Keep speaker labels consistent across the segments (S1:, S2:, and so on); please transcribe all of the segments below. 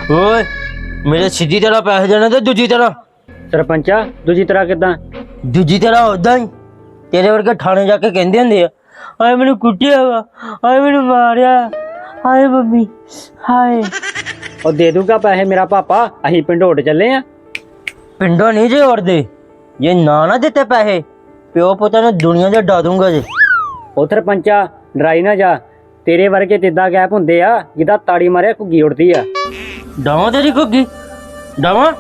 S1: ਓਏ ਮੇਰੇ ਸਿੱਧੀ ਤਰ੍ਹਾਂ ਪੈਸੇ ਦੇਣੇ ਤੇ ਦੂਜੀ ਤਰ੍ਹਾਂ।
S2: ਸਰਪੰਚਾ ਦੂਜੀ ਤਰ੍ਹਾਂ ਕਿੱਦਾਂ?
S1: ਦੂਜੀ ਤਰ੍ਹਾਂ ਉਦਾਂ ਹੀ ਤੇਰੇ ਵਰਗੇ ਥਾਣੇ ਜਾ ਕੇ ਕਹਿੰਦੇ ਹੁੰਦੇ ਆ, ਹਾਏ ਮੈਨੂੰ ਕੁੱਟਿਆ ਵਾ, ਹਾਏ ਮੈਨੂੰ ਮਾਰਿਆ, ਹਾਏ ਮੰਮੀ, ਹਾਏ।
S2: ਉਹ ਦੇ ਦੂਗਾ ਪੈਸੇ ਮੇਰਾ ਪਾਪਾ, ਅਸੀਂ ਪਿੰਡ ਉੱਡ ਚੱਲੇ ਆ।
S1: ਪਿੰਡੋਂ ਨਹੀਂ ਜੇ ਉੜਦੇ, ਜੇ ਨਾ ਦਿੱਤੇ ਪੈਸੇ ਪਿਓ ਪੁੱਤਾਂ ਨੂੰ ਦੁਨੀਆ ਦੇ ਡਾ ਦੂੰਗਾ ਜੇ।
S2: ਉਹ ਸਰਪੰਚਾ ਡਰਾਈ ਨਾ ਜਾ, ਤੇਰੇ ਵਰਗੇ ਤਿੱਦਾਂ ਗੈਪ ਹੁੰਦੇ ਆ ਜਿੱਦਾਂ ਤਾੜੀ ਮਾਰਿਆ ਘੁੱਗੀ ਉੜਦੀ ਆ।
S1: ਡਾਵਾਂ ਤੇਰੀ ਘੁੱਗੀ ਡਾਵਾਂ।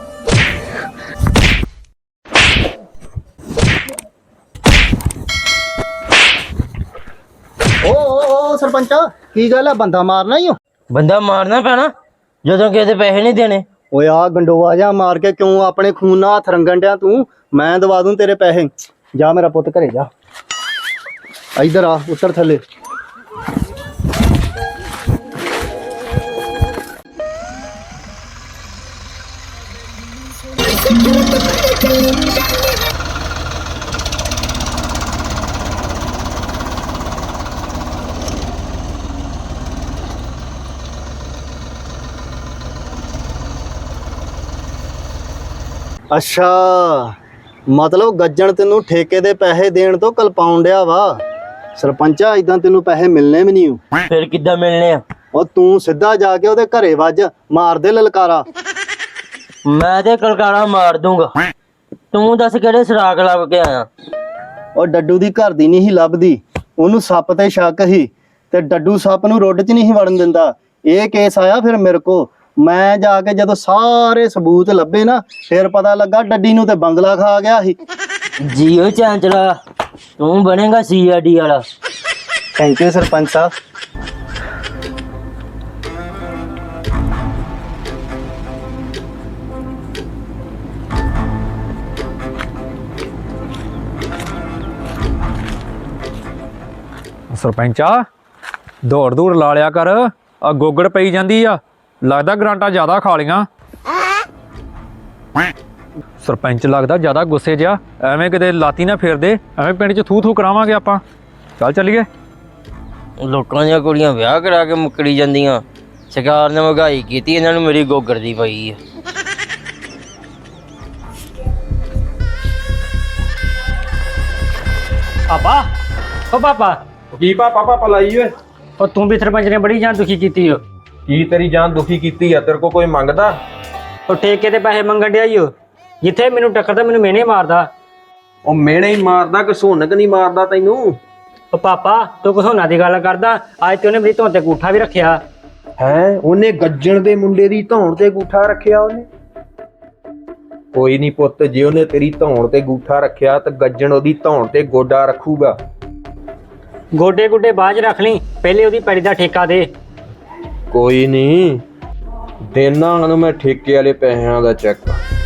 S3: ਓ ਸਰਪੰਚਾ ਕੀ ਗੱਲ ਆ? ਬੰਦਾ ਮਾਰਨਾ ਹੀ ਹੋ?
S1: ਬੰਦਾ ਮਾਰਨਾ ਪੈਣਾ ਜਦੋਂ ਕਿਸੇ ਦੇ ਪੈਸੇ ਨਹੀਂ ਦੇਣੇ।
S3: ਓਏ ਆ ਗੰਡੋਆ ਜਾ ਮਾਰ ਕੇ ਕਿਉਂ ਆਪਣੇ ਖੂਨ ਨਾਲ ਹੱਥ ਰੰਗਣ ਡਿਆ ਤੂੰ? ਮੈਂ ਦਵਾ ਦੂੰ ਤੇਰੇ ਪੈਸੇ। ਜਾ ਮੇਰਾ ਪੁੱਤ ਘਰੇ ਜਾ। ਇੱਧਰ ਆ, ਉੱਤਰ ਥੱਲੇ। ਅੱਛਾ, ਮਤਲਬ ਗੱਜਣ ਤੈਨੂੰ ਠੇਕੇ ਦੇ ਪੈਸੇ ਦੇਣ ਤੋਂ ਕਲਪਾਉਣ ਡਿਆ ਵਾ। ਸਰਪੰਚਾ ਇਦਾਂ ਤੈਨੂੰ ਪੈਸੇ ਮਿਲਣੇ ਵੀ ਨਹੀਂ।
S1: ਫਿਰ ਕਿੱਦਾਂ ਮਿਲਣੇ ਆ?
S3: ਉਹ ਤੂੰ ਸਿੱਧਾ ਜਾ ਕੇ ਉਹਦੇ ਘਰੇ ਵੱਜ, ਮਾਰ ਦੇ ਲਲਕਾਰਾ।
S1: ਮੈਂ ਤੇ ਕਲਕਾਰਾ ਮਾਰ ਦੂੰਗਾ। ਤੂੰ ਦੱਸ ਕਿਹੜੇ ਸਰਾਗ ਲੱਭ ਕੇ ਆਇਆ?
S3: ਉਹ ਡੱਡੂ ਦੀ ਘਰ ਦੀ ਨਹੀਂ ਸੀ ਲੱਭਦੀ, ਉਹਨੂੰ ਸੱਪ ਤੇ ਸ਼ੱਕ ਸੀ ਤੇ ਡੱਡੂ ਸੱਪ ਨੂੰ ਰੁੱਡ 'ਚ ਨਹੀਂ ਸੀ ਵੜਨ ਦਿੰਦਾ। ਇਹ ਕੇਸ ਆਇਆ ਫਿਰ ਮੇਰੇ ਕੋ। ਮੈਂ ਜਾ ਕੇ ਜਦੋਂ ਸਾਰੇ ਸਬੂਤ ਲੱਭੇ ਨਾ, ਫਿਰ ਪਤਾ ਲੱਗਾ ਡੱਡੀ ਨੂੰ ਤੇ ਬੰਗਲਾ ਖਾ ਗਿਆ ਸੀ।
S1: ਜੀਓ ਚਾਂਚਲਾ, ਤੂੰ ਬਣੇਗਾ ਸੀਆਈਡੀ ਵਾਲਾ।
S3: ਥੈਂਕ ਯੂ ਸਰਪੰਚ ਸਾਹਿਬ।
S4: ਸਰਪੰਚਾ ਦੌੜ ਦੂੜ ਲਾ ਲਿਆ ਕਰ, ਆ ਗੋਗੜ ਪਈ ਜਾਂਦੀ ਆ, ਲੱਗਦਾ ਗਰਾਂਟਾਂ ਜ਼ਿਆਦਾ ਖਾ ਲੀਆਂ। ਸਰਪੰਚ ਲੱਗਦਾ ਜ਼ਿਆਦਾ ਗੁੱਸੇ ਜਿਹਾ, ਐਵੇਂ ਕਿਤੇ ਲਾਤੀ ਨਾ ਫੇਰਦੇ, ਐਵੇਂ ਪਿੰਡ 'ਚ ਥੂ ਥੂ ਕਰਾਵਾਂਗੇ ਆਪਾਂ। ਚੱਲ ਚੱਲੀਏ।
S1: ਲੋਕਾਂ ਦੀਆਂ ਕੁੜੀਆਂ ਵਿਆਹ ਕਰਾ ਕੇ ਮੁੱਕਰੀ ਜਾਂਦੀਆਂ। ਸਰਕਾਰ ਨੇ ਮਹਿੰਗਾਈ ਕੀਤੀ, ਇਹਨਾਂ ਨੂੰ ਮੇਰੀ ਗੋਗੜ ਦੀ ਪਈ ਆ।
S2: ਪਾਪਾ ਓ ਪਾਪਾ।
S5: ਕੀ ਪਾਪਾ ਲਾਈ ਓਏ?
S2: ਉਹ ਤੂੰ ਵੀ ਸਰਪੰਚ ਨੇ ਬੜੀ ਜਾਨ ਦੁਖੀ ਕੀਤੀ ਓ।
S5: ਕੀ ਤੇਰੀ ਜਾਨ ਦੁਖੀ ਕੀਤੀ ਆ? ਤੇਰੇ ਕੋ ਕੋਈ ਮੰਗਦਾ?
S2: ਉਹ ਠੇਕੇ ਤੇ ਪੈਸੇ ਮੰਗਣ ਡਿਆ ਈ ਓ। ਜਿੱਥੇ ਮੈਨੂੰ ਟੱਕਰਦਾ ਮੈਨੂੰ ਮਿਹਣੇ ਮਾਰਦਾ।
S5: ਉਹ ਮਿਹਣੇ ਹੀ ਮਾਰਦਾ ਕਿ ਸੋਨਕ ਨਹੀਂ ਮਾਰਦਾ ਤੈਨੂੰ?
S2: ਉਹ ਪਾਪਾ ਤੂੰ ਘਸੋਨਾ ਦੀ ਗੱਲ ਕਰਦਾ, ਅੱਜ ਤੇ ਉਹਨੇ ਮੇਰੀ ਧੌਣ ਤੇ ਗੂਠਾ ਵੀ ਰੱਖਿਆ।
S5: ਹੈ ਉਹਨੇ ਗੱਜਣ ਦੇ ਮੁੰਡੇ ਦੀ ਧੌਣ ਤੇ ਗੂਠਾ ਰੱਖਿਆ ਉਹਨੇ? ਕੋਈ ਨਹੀਂ ਪੁੱਤ, ਜੇ ਉਹਨੇ ਤੇਰੀ ਧੌਣ ਤੇ ਗੂਠਾ ਰੱਖਿਆ ਤਾਂ ਗੱਜਣ ਉਹਦੀ ਧੌਣ ਤੇ ਗੋਡਾ ਰੱਖੂਗਾ।
S2: ਗੋਡੇ ਗੁੱਡੇ ਬਾਅਦ 'ਚ ਰੱਖ ਲਈ, ਪਹਿਲੇ ਉਹਦੀ ਪੈੜੀ ਦਾ ਠੇਕਾ ਦੇ।
S5: ਕੋਈ ਨਹੀਂ, ਦੇਣਾ ਉਹਨੂੰ ਮੈਂ ਠੇਕੇ ਵਾਲੇ ਪੈਸਿਆਂ ਦਾ ਚੈੱਕ।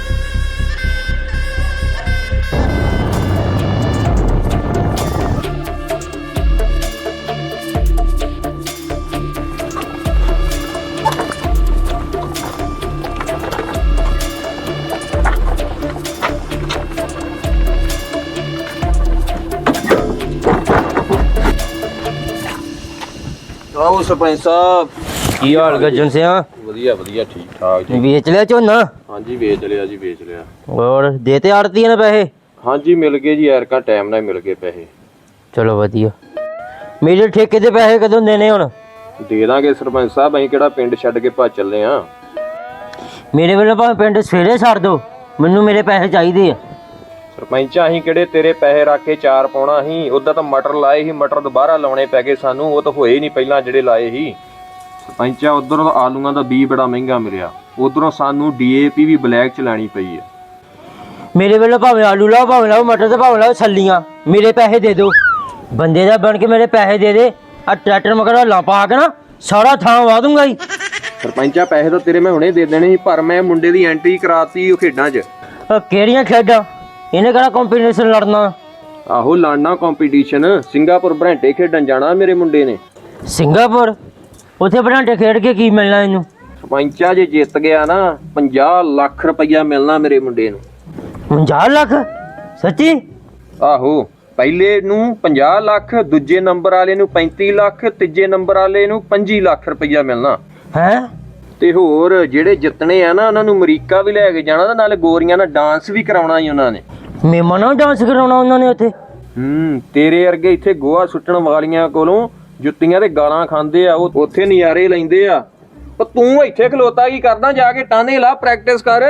S5: ਆਓ ਸਰਪੰਚ ਸਾਹਿਬ।
S1: ਕੀ ਹਾਲ ਗੱਜਣ ਸਿਆ?
S5: ਵਧੀਆ ਠੀਕ ਠਾਕ ਜੀ।
S1: ਵੇਚ ਲਿਆ ਝੋਨਾ?
S5: ਹਾਂਜੀ ਵੇਚ ਲਿਆ ਜੀ, ਵੇਚ ਲਿਆ।
S1: ਹੋਰ ਦੇ ਤੇ ਆੜਤੀਆਂ ਨੇ ਪੈਸੇ?
S5: ਹਾਂਜੀ ਮਿਲ ਗਏ ਜੀ, ਐਰਕਾ ਟਾਈਮ ਨਾਲ ਮਿਲ ਗਏ ਪੈਸੇ।
S1: ਚਲੋ ਵਧੀਆ। ਮੇਰੇ ਠੇਕੇ ਦੇ ਪੈਸੇ ਕਦੋਂ ਦੇਣੇ ਹੁਣ?
S5: ਦੇ ਦਾਂਗੇ ਸਰਪੰਚ ਸਾਹਿਬ, ਅਸੀਂ ਕਿਹੜਾ ਪਿੰਡ ਛੱਡ ਕੇ ਭੱਜ ਚੱਲੇ ਆ।
S1: ਮੇਰੇ ਵੱਲੋਂ ਭਾਵੇਂ ਪਿੰਡ ਸਵੇਰੇ ਛੱਡ ਦੋ, ਮੈਨੂੰ ਮੇਰੇ ਪੈਸੇ ਚਾਹੀਦੇ ਆ।
S5: ਸਰਪੰਚ ਅਸੀਂ ਕਿਹੜੇ ਤੇਰੇ ਪੈਸੇ ਰੱਖ ਕੇ ਚਾਰ ਪਾਉਣਾ ਸੀ? ਉਦਾਂ ਤਾਂ ਮਟਰ ਲਾਏ ਸੀ, ਮਟਰ ਦੁਬਾਰਾ ਲਾਉਣੇ ਪੈ ਗਏ ਸਾਨੂੰ, ਉਹ ਤਾਂ ਹੋਏ ਨਹੀਂ ਪਹਿਲਾਂ ਜਿਹੜੇ ਲਾਏ ਸੀ। ਸਰਪੰਚਾ ਉਧਰੋਂ ਆਲੂਆਂ ਦਾ ਬੀਜ ਬੜਾ ਮਹਿੰਗਾ ਮਿਲਿਆ, ਉਧਰੋਂ ਸਾਨੂੰ DAP ਵੀ ਬਲੈਕ ਚ ਲੈਣੀ ਪਈ ਆ।
S1: ਮੇਰੇ ਵੱਲੋਂ ਭਾਵੇਂ ਆਲੂ ਲਾਓ, ਭਾਵੇਂ ਲਾਓ ਮਟਰ, ਤੇ ਭਾਵੇਂ ਲਾਓ ਛੱਲੀਆਂ, ਮੇਰੇ ਪੈਸੇ ਦੇ ਦਿਓ। ਬੰਦੇ ਦਾ ਬਣ ਕੇ ਮੇਰੇ ਪੈਸੇ ਦੇ ਦੇ। ਆ ਟਰੈਕਟਰ ਮਗਰ ਲਾ ਪਾ ਕੇ ਨਾ ਸਾਰਾ ਥਾਂ ਵਾ ਦੂੰਗਾ ਹੀ।
S5: ਸਰਪੰਚਾ ਪੈਸੇ ਤਾਂ ਤੇਰੇ ਮੈਂ ਹੁਣੇ ਦੇ ਦੇਣੇ ਸੀ, ਪਰ ਮੈਂ ਮੁੰਡੇ ਦੀ ਐਂਟਰੀ ਕਰਾਤੀ ਉਹ ਖੇਡਾਂ 'ਚ।
S1: ਕਿਹੜੀਆਂ ਖੇਡਾਂ? ਇਹਨੇ ਕਿਹੜਾ ਕੰਪੀਟੀਸ਼ਨ ਲੜਨਾ?
S5: ਆਹੋ ਲੜਨਾ ਕੰਪੀਟੀਸ਼ਨ, ਸਿੰਗਾਪੁਰ ਬਰਾਂਟੇ ਖੇਡਣ ਜਾਣਾ ਮੇਰੇ ਮੁੰਡੇ ਨੇ।
S1: ਸਿੰਗਾਪੁਰ? ਉੱਥੇ ਬਰਾਂਟੇ ਖੇਡ ਕੇ ਕੀ ਮਿਲਣਾ ਇਹਨੂੰ?
S5: ਸਰਪੰਚਾ ਜੇ ਜਿੱਤ ਗਿਆ ਨਾ 50 ਲੱਖ ਰੁਪਈਆ ਮਿਲਣਾ ਮੇਰੇ ਮੁੰਡੇ ਨੂੰ।
S1: 50 ਲੱਖ? ਸੱਚੀ?
S5: ਆਹੋ, ਪਹਿਲੇ ਨੂੰ 50 ਲੱਖ, ਦੂਜੇ ਨੰਬਰ ਵਾਲੇ ਨੂੰ 35 ਲੱਖ, ਤੀਜੇ ਨੰਬਰ ਵਾਲੇ ਨੂੰ 25 ਲੱਖ ਰੁਪਈਆ ਮਿਲਣਾ।
S1: ਹੈ?
S5: ਤੇ ਹੋਰ ਜਿਹੜੇ ਜਿੱਤਣੇ ਆ ਨਾ ਉਹਨਾਂ ਨੂੰ ਅਮਰੀਕਾ ਵੀ ਲੈ ਕੇ ਜਾਣਾ ਤੇ ਨਾਲੇ ਗੋਰੀਆਂ ਨਾਲ ਡਾਂਸ ਵੀ ਕਰਾਉਣਾ ਹੀ ਉਹਨਾਂ ਨੇ।
S1: ਮੇਮਾ ਨਾਲ ਡਾਂਸ ਕਰਾਉਣਾ ਉਹਨਾਂ ਨੇ ਉੱਥੇ?
S5: ਤੇਰੇ ਵਰਗੇ ਇੱਥੇ ਗੋਹਾ ਸੁੱਟਣ ਵਾਲੀਆਂ ਕੋਲੋਂ ਜੁੱਤੀਆਂ ਤੇ ਗਾਲਾਂ ਖਾਂਦੇ ਆ, ਉਹ ਉੱਥੇ ਨਜ਼ਾਰੇ ਲੈਂਦੇ ਆ। ਪਰ ਤੂੰ ਇੱਥੇ ਖਲੋਤਾ ਕੀ ਕਰਦਾ? ਜਾ ਕੇ ਟਾਂਦੇ ਲਾ, ਪ੍ਰੈਕਟਿਸ ਕਰ।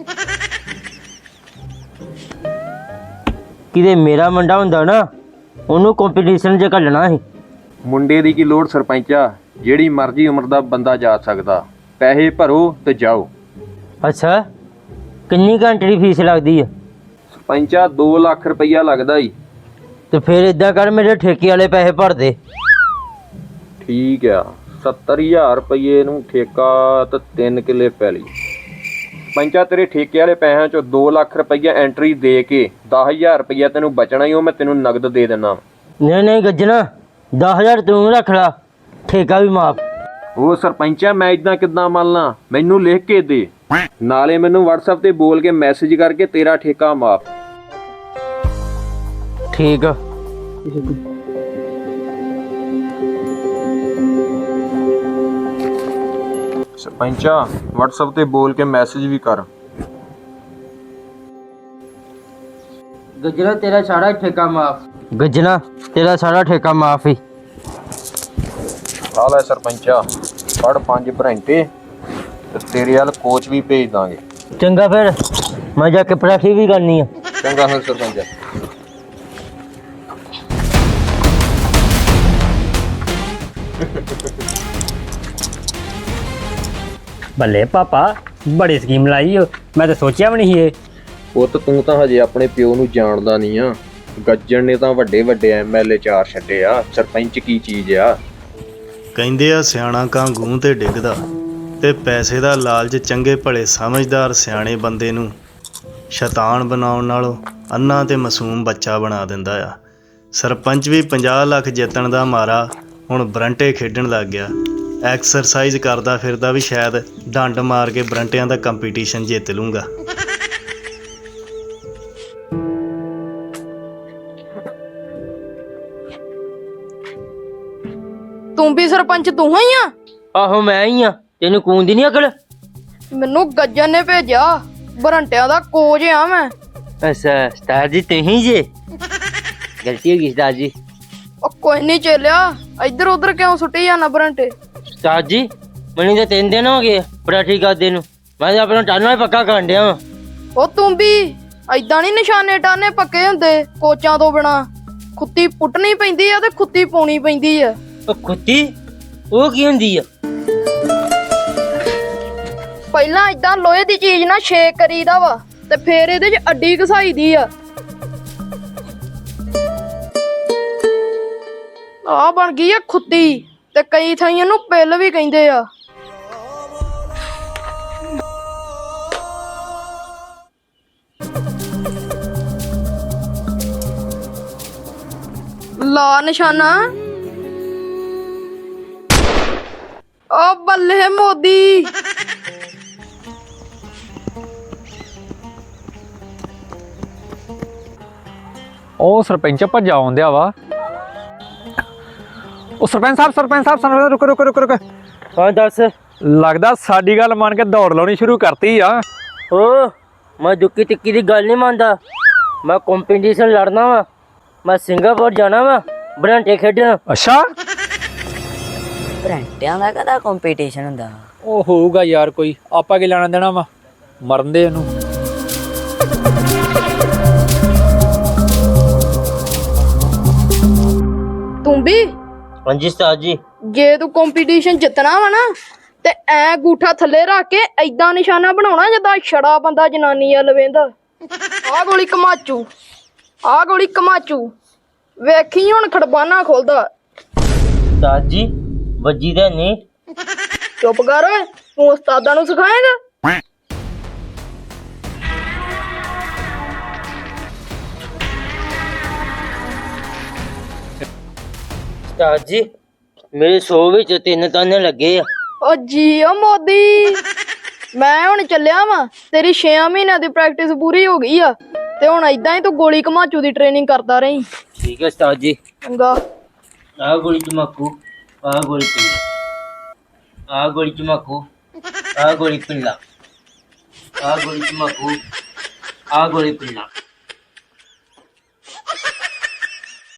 S1: ਕਿਤੇ ਮੇਰਾ ਮੁੰਡਾ ਹੁੰਦਾ ਨਾ ਉਹਨੂੰ ਕੰਪੀਟੀਸ਼ਨ 'ਚ ਘੱਲਣਾ ਸੀ।
S5: ਮੁੰਡੇ ਦੀ ਕੀ ਲੋੜ ਸਰਪੰਚਾ, ਜਿਹੜੀ ਮਰਜ਼ੀ ਉਮਰ ਦਾ ਬੰਦਾ ਜਾ ਸਕਦਾ। ਪੈਸੇ ਭਰੋ ਤੇ ਜਾਓ।
S1: ਅੱਛਾ, ਕਿੰਨੀ ਘੰਟੇ ਦੀ ਫੀਸ ਲੱਗਦੀ ਆ?
S5: ਸਰਪੰਚਾ 2 ਲੱਖ ਰੁਪਈਆ ਲੱਗਦਾ ਈ।
S1: ਤੇ ਫਿਰ ਇਦਾਂ ਕਰ, ਮੇਰੇ ਠੇਕੇ ਵਾਲੇ ਪੈਸੇ ਭਰ ਦੇ।
S5: ਠੀਕ ਆ, 70,000 ਰੁਪਏ ਨੂੰ ਠੇਕਾ ਤੇ 3 ਕਿੱਲੇ ਪੈਲੀ। ਪੰਚਾ ਤੇਰੇ ਠੇਕੇ ਵਾਲੇ ਪੈਸਿਆਂ ਚੋਂ 2 ਲੱਖ ਰੁਪਈਆ ਐਂਟਰੀ ਦੇ ਕੇ 10,000 ਰੁਪਈਆ ਤੈਨੂੰ ਬਚਣਾ ਹੀ, ਉਹ ਮੈਂ ਤੈਨੂੰ ਨਗਦ ਦੇ ਦਿੰਦਾ।
S1: ਨਹੀਂ ਗੱਜਣਾ, 10,000 ਤੂੰ ਰੱਖ ਲਾ, ਠੇਕਾ ਵੀ ਮਾਫ।
S5: ਉਹ ਸਰਪੰਚਾ ਮੈਂ ਇਦਾਂ ਕਿੱਦਾਂ ਮੰਨ ਲਾਂ? ਮੈਨੂੰ ਲਿਖ ਕੇ ਦੇ, ਨਾਲੇ ਮੈਨੂੰ WhatsApp ਤੇ ਬੋਲ ਕੇ ਮੈਸੇਜ ਕਰਕੇ ਤੇਰਾ ਠੇਕਾ ਮਾਫ।
S1: ਠੀਕ ਆ।
S5: ਸਰਪੰਚਾ WhatsApp ਤੇ ਬੋਲ ਕੇ ਮੈਸੇਜ ਵੀ ਕਰ।
S1: ਗੱਜਣਾ ਤੇਰਾ ਸਾਰਾ ਠੇਕਾ ਮਾਫ। ਗੱਜਣਾ ਤੇਰਾ ਸਾਰਾ ਠੇਕਾ ਮਾਫ ਹੀ।
S5: ਆ ਲੈ ਸਰਪੰਚਾ, ਪੜ 5 ਘੰਟੇ ਤੇ ਤੇਰੇ ਵੱਲ ਕੋਚ ਵੀ ਭੇਜ ਦਾਂਗੇ।
S1: ਚੰਗਾ, ਫਿਰ ਮੈਂ ਜਾ ਕੇ ਪਰਾਠੀ ਵੀ ਕਰਨੀ ਆ।
S5: ਚੰਗਾ ਫਿਰ ਸਰਪੰਚਾ।
S2: ਬੱਲੇ ਪਾਪਾ, ਬੜੀ ਸਕੀਮ ਲਾਈ ਓ, ਮੈਂ ਤਾਂ ਸੋਚਿਆ ਵੀ ਨਹੀਂ ਇਹ।
S5: ਪੁੱਤ ਤੂੰ ਤਾਂ ਹਜੇ ਆਪਣੇ ਪਿਓ ਨੂੰ ਜਾਣਦਾ ਨਹੀਂ ਆ। ਗੱਜਣ ਨੇ ਤਾਂ ਵੱਡੇ ਵੱਡੇ MLA 4 ਛੱਡੇ ਆ। ਸਰਪੰਚ ਕੀ ਚੀਜ਼ ਆ?
S6: ਕਹਿੰਦੇ ਆ ਸਿਆਣਾ ਕਾਂ ਗੂੰ ਤੇ ਡਿੱਗਦਾ, ਤੇ ਪੈਸੇ ਦਾ ਲਾਲਚ ਚੰਗੇ ਭਲੇ ਸਮਝਦਾਰ ਸਿਆਣੇ ਬੰਦੇ ਨੂੰ ਸ਼ੈਤਾਨ ਬਣਾਉਣ ਨਾਲੋਂ ਅੰਨਾ ਤੇ ਮਾਸੂਮ ਬੱਚਾ ਬਣਾ ਦਿੰਦਾ ਆ। ਸਰਪੰਚ ਵੀ 50 ਲੱਖ ਜਿੱਤਣ ਦਾ ਮਾਰਾ ਹੁਣ ਬਰੰਟੇ ਖੇਡਣ ਲੱਗ ਗਿਆ। ਐਕਸਰਸਾਈਜ਼ ਕਰਦਾ ਫਿਰਦਾ ਵੀ ਸ਼ਾਇਦ ਡੰਡ ਮਾਰ ਕੇ ਬਰੰਟਿਆਂ ਦਾ ਕੰਪੀਟੀਸ਼ਨ ਜਿੱਤ ਲੂੰਗਾ।
S7: ਤੂੰ ਵੀ ਸਰਪੰਚ ਤੂੰ ਹੀ ਆ?
S1: ਆਹੋ ਮੈਂ ਹੀ ਆ। ਤੈਨੂੰ ਕੂਨ ਦੀ ਨਹੀਂ ਅਕਲ?
S7: ਮੈਨੂੰ ਗੱਜਣ ਨੇ ਭੇਜਿਆ, ਬਰੰਟਿਆਂ ਦਾ ਕੋਚ ਆ ਮੈਂ।
S1: ਅੱਛਾ ਉਸਤਾਦ ਜੀ ਤੁਸੀਂ ਜੇ? ਗਲਤੀ ਹੋ ਗਈ ਉਸਤਾਦ ਜੀ।
S7: ਉਹ ਕੋਈ ਨਹੀਂ ਚੇਲਿਆ, ਇੱਧਰ ਉੱਧਰ ਕਿਉਂ ਸੁੱਟੀ ਜਾਣਾ ਬਰੰਟੇ?
S1: ਉਸਤਾਦ ਜੀ ਮੈਨੂੰ ਤਾਂ 3 ਦਿਨ ਹੋ ਗਏ ਪਰਾਠੀ ਕਰਦੇ ਨੂੰ। ਮੈਂ ਤਾਂ ਆਪਣਾ ਟਾਨਾ ਹੀ ਪੱਕਾ ਕਰਨ ਡਿਆ ਵਾਂ।
S7: ਉਹ ਤੂੰ ਵੀ ਐਦਾਂ ਨਹੀਂ ਨਿਸ਼ਾਨੇ ਟਾਨੇ ਪੱਕੇ ਹੁੰਦੇ ਕੋਚਾਂ ਤੋਂ ਬਿਨਾ। ਖੁੱਤੀ ਪੁੱਟਣੀ ਪੈਂਦੀ ਆ ਤੇ ਖੁੱਤੀ ਪਾਉਣੀ ਪੈਂਦੀ ਆ।
S1: ਉਹ ਖੁੱਤੀ ਉਹ ਕੀ ਹੁੰਦੀ ਆ?
S7: ਪਹਿਲਾਂ ਏਦਾਂ ਲੋਹੇ ਦੀ ਚੀਜ਼ ਨਾਲ ਛੇਕ ਕਰੀਦਾ ਵਾ ਤੇ ਫੇਰ ਇਹਦੇ 'ਚ ਅੱਡੀ ਘਸਾਈ ਦੀ ਆ। ਆ ਬਣ ਗਈ ਆ ਖੁੱਤੀ, ਤੇ ਕਈ ਥਾਈਂ ਇਹਨੂੰ ਪਿੱਲ ਵੀ ਕਹਿੰਦੇ ਆ। ਲਾ ਨਿਸ਼ਾਨਾ। ਓ ਬੱਲੇ ਮੋਦੀ।
S4: ਉਹ ਸਰਪੰਚ ਭੱਜਾ ਆਉਂਦਿਆ ਵਾ। ਉਹ ਸਰਪੰਚ ਸਾਹਿਬ ਰੁਕੋ।
S1: ਹਾਂ ਦੱਸ।
S4: ਲੱਗਦਾ ਸਾਡੀ ਗੱਲ ਮੰਨ ਕੇ ਦੌੜ ਲਾਉਣੀ ਸ਼ੁਰੂ ਕਰਤੀ ਆ।
S1: ਓ ਮੈਂ ਦੁੱਕੀ ਟਿੱਕੀ ਦੀ ਗੱਲ ਨਹੀਂ ਮੰਨਦਾ। ਮੈਂ ਕੰਪੀਟੀਸ਼ਨ ਲੜਨਾ ਵਾ। ਮੈਂ ਸਿੰਗਾਪੁਰ ਜਾਣਾ ਵਾ ਬਰੰਟੇ ਖੇਡਣ।
S4: ਅੱਛਾ,
S8: ਬਰੰਟਿਆਂ ਦਾ ਕਦਾ ਕੰਪੀਟੀਸ਼ਨ ਹੁੰਦਾ?
S4: ਉਹ ਹੋਊਗਾ ਯਾਰ ਕੋਈ, ਆਪਾਂ ਕੀ ਲੈਣਾ ਦੇਣਾ ਵਾ, ਮਰਨ ਦੇ ਇਹਨੂੰ।
S7: ਤੂੰ ਵੀ
S1: ਹਾਂਜੀ ਉਸਤਾਦ ਜੀ।
S7: ਜੇ ਤੂੰ ਕੰਪੀਟੀਸ਼ਨ ਜਿੱਤਣਾ ਵਾ ਨਾ ਤੇ ਐ ਗੂਠਾ ਥੱਲੇ ਰੱਖ ਕੇ ਐਦਾਂ ਨਿਸ਼ਾਨਾ ਬਣਾਉਣਾ ਜਿੱਦਾਂ ਛੜਾ ਬੰਦਾ ਜਨਾਨੀ ਆ ਲਵੇਂਦਾ। ਆਹ ਗੋਲੀ ਕਮਾਚੂ, ਵੇਖੀ ਹੁਣ ਖੜਬਾਨਾ ਖੋਲਦਾ।
S1: ਉਸਤਾਦ ਜੀ ਵੱਜੀ ਤਾਂ ਨਹੀਂ?
S7: ਚੁੱਪ ਕਰ ਓਏ, ਤੂੰ ਉਸਤਾਦਾਂ ਨੂੰ ਸਿਖਾਏਗਾ?
S1: ਉਸਤਾਦ ਜੀ ਮੇਰੇ 100 ਵਿੱਚ 3 ਤਾਨੇ ਲੱਗੇ ਆ।
S7: ਓ ਜੀ ਓ ਮੋਦੀ, ਮੈਂ ਹੁਣ ਚੱਲਿਆ ਵਾਂ। ਤੇਰੀ 6 ਮਹੀਨਿਆਂ ਦੀ ਪ੍ਰੈਕਟਿਸ ਪੂਰੀ ਹੋ ਗਈ ਆ ਤੇ ਹੁਣ ਏਦਾਂ ਹੀ ਤੂੰ ਗੋਲੀ ਕਮਾਚੂ ਦੀ ਟ੍ਰੇਨਿੰਗ ਕਰਦਾ ਰਹੀਂ।
S1: ਠੀਕ ਹੈ ਉਸਤਾਦ ਜੀ।
S7: ਚੰਗਾ।
S1: ਆਹ ਗੋਲੀ ਚਮਾਕੂ, ਆਹ ਗੋਲੀ ਚਮਾਕੂ। ਆ ਗੋਲੀ ਪਿੱਲਾ ਆ ਗੋਲੀ ਤਮਾਕੂ ਆ ਗੋਲੀ ਪਿੱਲਾ